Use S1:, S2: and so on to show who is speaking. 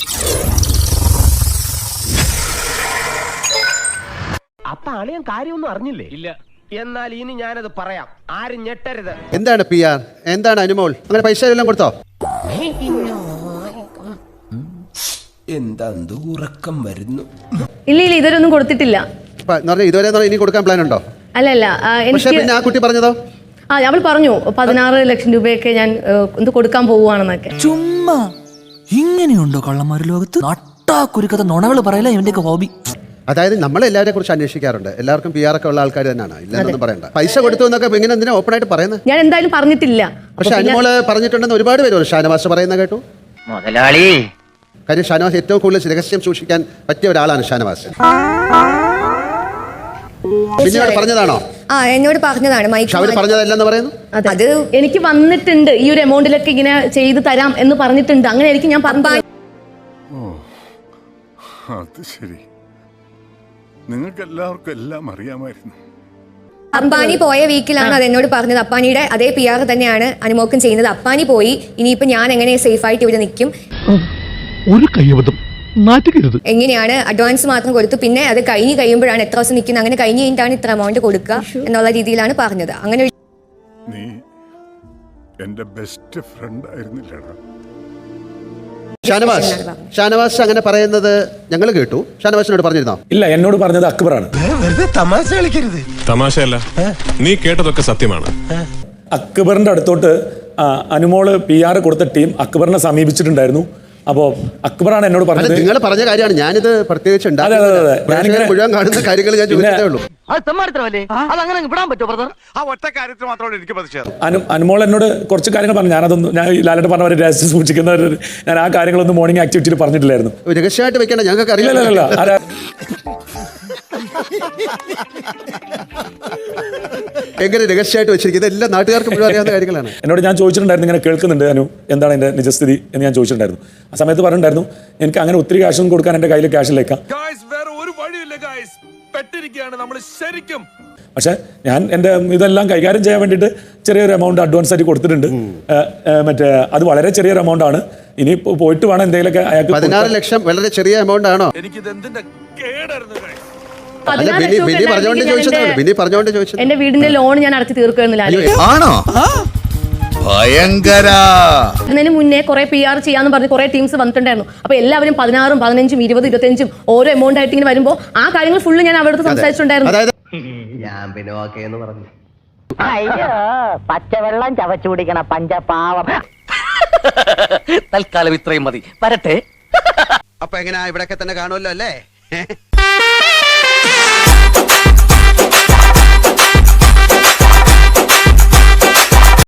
S1: അപ്പൊ അളിയൻ കാര്യമൊന്നും അറിഞ്ഞില്ലേ? ഇല്ല. എന്നാൽ ഇനി ഞാനത് പറയാം, ആരും ഞെട്ടരുത്.
S2: എന്താണ് PR, എന്താണ് അനുമോൾ, അങ്ങനെ പൈസ എല്ലാം കൊടുത്തോ?
S1: എന്താ ഉറക്കം വരുന്നു?
S3: ഇല്ല ഇതുവരെയൊന്നും കൊടുത്തിട്ടില്ല.
S2: ഇതുവരെ ഇനി കൊടുക്കാൻ പ്ലാൻ ഉണ്ടോ?
S3: അല്ലല്ല,
S2: പിന്നെ ആ കുട്ടി പറഞ്ഞതോ?
S3: അവൾ പറഞ്ഞു 16 ലക്ഷം രൂപയൊക്കെ ഞാൻ കൊടുക്കാൻ പോവുകയാണെന്നൊക്കെ.
S4: ചുമ്മാ ഇങ്ങനെയുണ്ടോ കള്ളന്മാർ ലോകത്ത്? നട്ടാ കുരുക്കഥ നുണകൾ പറയല ഇവന്റെയൊക്കെ ഹോബി.
S2: അതായത് നമ്മളെല്ലാവരെ കുറിച്ച് അന്വേഷിക്കാറുണ്ട്. എല്ലാവർക്കും PR ഒക്കെ ഉള്ള ആൾക്കാർ തന്നെയാണ്, ഇല്ലെന്നൊന്നും പറയണ്ട. പൈസ കൊടുത്തു എന്നൊക്കെ ഇങ്ങനെ എന്തിനാ ഓപ്പൺ ആയിട്ട് പറയുന്നത്?
S3: ഞാൻ എന്തായാലും പറഞ്ഞിട്ടില്ല.
S2: പക്ഷെ അനുമോള് പറഞ്ഞിട്ടുണ്ടെന്ന് ഒരുപാട് പേര് ഷാനവാസ് പറയുന്ന കേട്ടു.
S5: മുതലാളി,
S2: കാര്യം ഷാനവാസ് ഏറ്റവും കൂടുതൽ രഹസ്യം സൂക്ഷിക്കാൻ പറ്റിയ ഒരാളാണ് ഷാനവാസ്. പിന്നീട് പറഞ്ഞതാണോ?
S6: എന്നോട് പറഞ്ഞതാണ്.
S2: അവര് പറഞ്ഞതല്ലെന്ന് പറയുന്നു.
S3: അത് എനിക്ക് വന്നിട്ടുണ്ട്, ഈ ഒരു എമൗണ്ടിലൊക്കെ ഇങ്ങനെ ചെയ്തു തരാം എന്ന് പറഞ്ഞിട്ടുണ്ട്. അങ്ങനെ ആയിരിക്കും ഞാൻ പറഞ്ഞു.
S7: അത് ശരി, നിങ്ങൾക്ക് എല്ലാവർക്കും എല്ലാം അറിയാമായിരുന്നു.
S6: അപ്പാനി പോയ വീക്കിലാണ് അത് എന്നോട് പറഞ്ഞത്. അപ്പാനിയുടെ അതേ PR തന്നെയാണ് അനുമോക്കും ചെയ്യുന്നത്. അപ്പാനി പോയി, ഇനിയിപ്പോ ഞാൻ എങ്ങനെ സേഫ് ആയിട്ട് ഇവിടെ നിൽക്കും?
S8: ഒരു കയ്യബദ്ധം നാറ്റുകരുത്.
S6: എങ്ങനെയാണ് അഡ്വാൻസ് മാത്രം കൊടുത്തു, പിന്നെ അത് കഴിഞ്ഞ് കഴിയുമ്പോഴാണ് എത്ര ദിവസം നിൽക്കുന്നത്, അങ്ങനെ കഴിഞ്ഞ് കഴിഞ്ഞിട്ടാണ് ഇത്ര എമൗണ്ട് കൊടുക്കുക എന്നുള്ള രീതിയിലാണ് പറഞ്ഞത്. അങ്ങനെ
S7: നീ എന്റെ ബെസ്റ്റ് ഫ്രണ്ട് ആയിരുന്നില്ലടാ.
S2: ഷാനവാസ് അങ്ങനെ പറയുന്നത് ഞങ്ങൾ കേട്ടു. ഷാനവാസിനോട് പറഞ്ഞിരുന്നോ?
S9: ഇല്ല, എന്നോട് പറഞ്ഞത് അക്ബറാണ്.
S7: തമാശ കളിക്കരുത്.
S10: തമാശയല്ല, നീ കേട്ടതൊക്കെ സത്യമാണ്.
S9: അക്ബറിന്റെ അടുത്തോട്ട് അനുമോള് PR കൊടുത്ത ടീം അക്ബറിനെ സമീപിച്ചിട്ടുണ്ടായിരുന്നു. അപ്പോ അക്ബറാണ് എന്നോട് പറഞ്ഞത്.
S2: നിങ്ങൾ പറഞ്ഞ കാര്യമാണ്, ഞാനിത് പ്രത്യേകിച്ച് മുഴുവൻ കാണുന്ന കാര്യങ്ങൾ ഞാൻ ചോദിച്ചതേ ഉള്ളൂ.
S9: അനുമോൾ എന്നോട് കുറച്ച് കാര്യങ്ങൾ പറഞ്ഞു. ഞാൻ ലാലേട്ടൻ പറഞ്ഞ പോലെ രഹസ്യം സൂക്ഷിക്കുന്നവർ, ഞാൻ ആ കാര്യങ്ങളൊന്നും മോർണിംഗ് ആക്ടിവിറ്റിയിൽ പറഞ്ഞിട്ടില്ലായിരുന്നു.
S2: രഹസ്യമായിട്ട് വെക്കണ്ട, ഞങ്ങൾക്ക് അറിയില്ല. എങ്ങനെ രഹസ്യമായിട്ട് വെച്ചിരിക്കുന്നത്? എല്ലാം നാട്ടുകാർക്ക് മുഴുവൻ അറിയാവുന്ന കാര്യങ്ങളാണ്.
S9: എന്നോട് ഞാൻ ചോദിച്ചിട്ടുണ്ടായിരുന്നു, ഇങ്ങനെ കേൾക്കുന്നുണ്ട് അനു, എന്താണ് എൻ്റെ നിജസ്ഥിതി എന്ന് ഞാൻ ചോദിച്ചിട്ടുണ്ടായിരുന്നു. ആ സമയത്ത് പറഞ്ഞിട്ടുണ്ടായിരുന്നു, എനിക്ക് അങ്ങനെ ഒത്തിരി ക്യാഷൊന്നും കൊടുക്കാൻ എൻ്റെ കയ്യിൽ ക്യാഷിലേക്കാം. പക്ഷെ ഞാൻ എൻ്റെ ഇതെല്ലാം കൈകാര്യം ചെയ്യാൻ വേണ്ടിയിട്ട് ചെറിയൊരു എമൗണ്ട് അഡ്വാൻസ് ആയിട്ട് കൊടുത്തിട്ടുണ്ട്. മറ്റേ അത് വളരെ ചെറിയൊരു എമൗണ്ട് ആണ്. ഇനി പോയിട്ട് വേണം എന്തെങ്കിലുമൊക്കെ.
S2: 16 ലക്ഷം വളരെ ചെറിയ എമൗണ്ട് ആണോ?
S3: എന്റെ വീടിന്റെ ലോൺ ഞാൻ അടച്ചു തീർക്കുന്നില്ല.
S8: ആണോ? ഭയങ്കര.
S3: അതിന് മുന്നേ കുറെ PR ചെയ്യാന്ന് പറഞ്ഞ് കുറെ ടീംസ് വന്നിട്ടുണ്ടായിരുന്നു. അപ്പൊ എല്ലാവരും 16, 15, 20, 25 ഓരോ എമൗണ്ട് ആയിട്ട് ഇങ്ങനെ വരുമ്പോ ആ കാര്യങ്ങൾ ഫുള്ള് ഞാൻ അവിടെ സംസാരിച്ചിട്ടുണ്ടായിരുന്നു.
S1: ഞാൻ പിന്നെ ഓക്കേ എന്ന് പറഞ്ഞു.
S5: അയ്യോ, പച്ചവെള്ളം ചവച്ചു കുടിക്കണ പഞ്ചപാവം. തൽക്കാലം ഇത്രയും മതി, വരട്ടെ.
S2: അപ്പൊ എങ്ങനെയാ, ഇവിടെയൊക്കെ തന്നെ കാണുമല്ലോ അല്ലേ?